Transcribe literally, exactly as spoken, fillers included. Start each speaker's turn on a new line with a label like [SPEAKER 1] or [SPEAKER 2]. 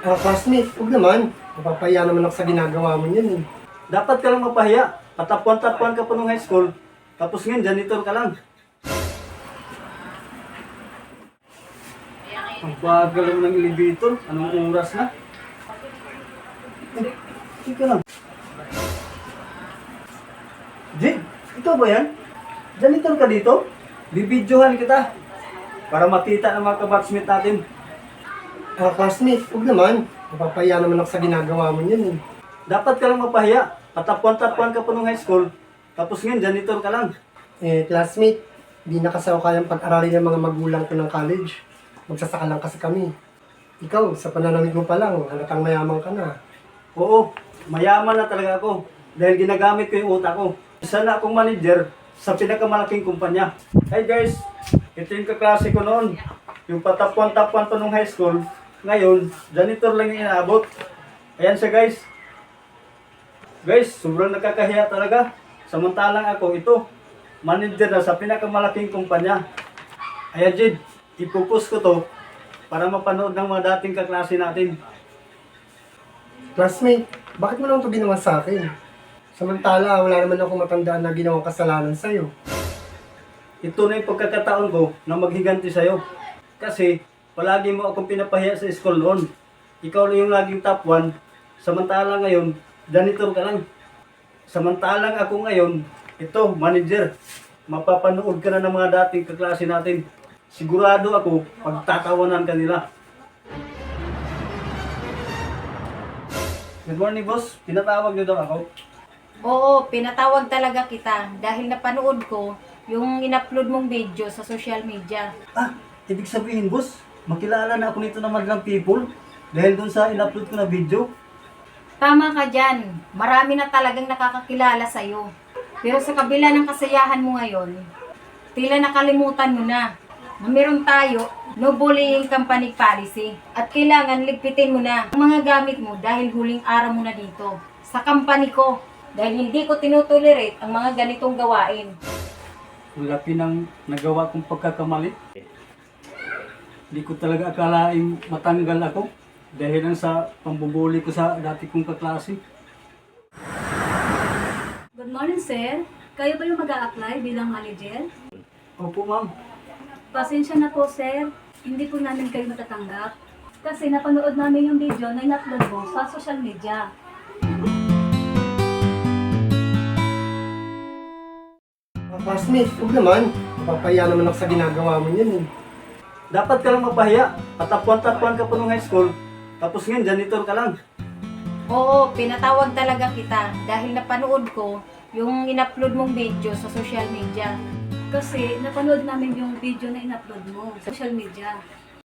[SPEAKER 1] Ah, classmate, huwag naman. Mapapahiya naman ako sa ginagawa mo yan eh.
[SPEAKER 2] Dapat ka lang mapahiya. Patapuan-tapuan ka pa nung high school. Tapos ngayon, janitor ka lang. Ang bagal naman ng elevator. Anong oras na? Eh, Sige lang. Jig, ito ba yan? Janitor ka dito? Bibidyohan kita. Para makita ng mga kabatsmate natin.
[SPEAKER 1] Ah, classmate, huwag naman. Mapapahiya naman ako sa ginagawa mo yan eh.
[SPEAKER 2] Dapat ka lang mapahiya. Patapuan-tapuan ka pa nung high school. Tapos ngayon, janitor ka lang.
[SPEAKER 1] Eh, classmate, di na kasi ako kayang pag-aralin ng mga magulang ko ng college. Magsasaka lang kasi kami. Ikaw, sa pananamit mo pa lang, halatang mayaman ka na.
[SPEAKER 2] Oo, mayaman na talaga ako. Dahil ginagamit ko yung utak ko. Isa na akong manager sa pinakamalaking kumpanya. Hey guys, ito yung kaklase ko noon. Yung patapuan-tapuan pa nung high school. Ngayon, janitor lang yung inaabot. Ayan siya guys. Guys, sobrang nakakahiya talaga. Samantalang ako ito, manager na sa pinakamalaking kumpanya. Ayan Jid, ipupost ko to para mapanood ng mga dating kaklase natin.
[SPEAKER 1] Classmate, bakit mo naman ito ginawa sa akin? Samantala, wala naman ako matandaan na ginawang kasalanan sa'yo.
[SPEAKER 2] Ito na yung pagkakataon ko na maghiganti sa'yo. Kasi, palagi mo akong pinapahiya sa school noon. Ikaw na yung laging top one. Samantala ngayon, janitor ka lang. Samantalang ako ngayon, ito, manager. Mapapanood ka na ng mga dating kaklase natin. Sigurado ako, pagtatawanan ka nila. Good morning, boss. Pinatawag niyo daw ako.
[SPEAKER 3] Oo, pinatawag talaga kita dahil napanood ko yung in-upload mong video sa social media.
[SPEAKER 2] Ah, ibig sabihin, boss, makilala na ako nito ng madlang people dahil dun sa in-upload ko na video.
[SPEAKER 3] Tama ka dyan, marami na talagang nakakakilala sa'yo. Pero sa kabila ng kasayahan mo ngayon, tila nakalimutan mo na na meron tayo no bullying company policy at kailangan ligpitin mo na ang mga gamit mo dahil huling araw mo na dito sa company ko dahil hindi ko tinutolerate ang mga ganitong gawain.
[SPEAKER 2] Ang laki ng nagawa kong pagkakamali. Hindi ko talaga akalaing matanggal ako dahil lang sa pambubuli ko sa dati kong kaklase.
[SPEAKER 4] Good morning, sir. Kayo ba yung mag-a-apply bilang manager?
[SPEAKER 2] Opo, ma'am.
[SPEAKER 4] Pasensya na po, sir. Hindi po namin kayo matatanggap. Kasi napanood namin yung video na in-upload mo sa social media.
[SPEAKER 1] Ah, classmate, huwag naman. Mapapahiya naman ako sa ginagawa mo yan eh.
[SPEAKER 2] Dapat ka lang mapahiya. Patapuan-tapuan ka pa nung high school. Tapos ngayon, janitor ka lang.
[SPEAKER 3] Oo, pinatawag talaga kita dahil napanood ko yung in-upload mong video sa social media.
[SPEAKER 4] Kasi napanood namin yung video na in-upload mo sa social media.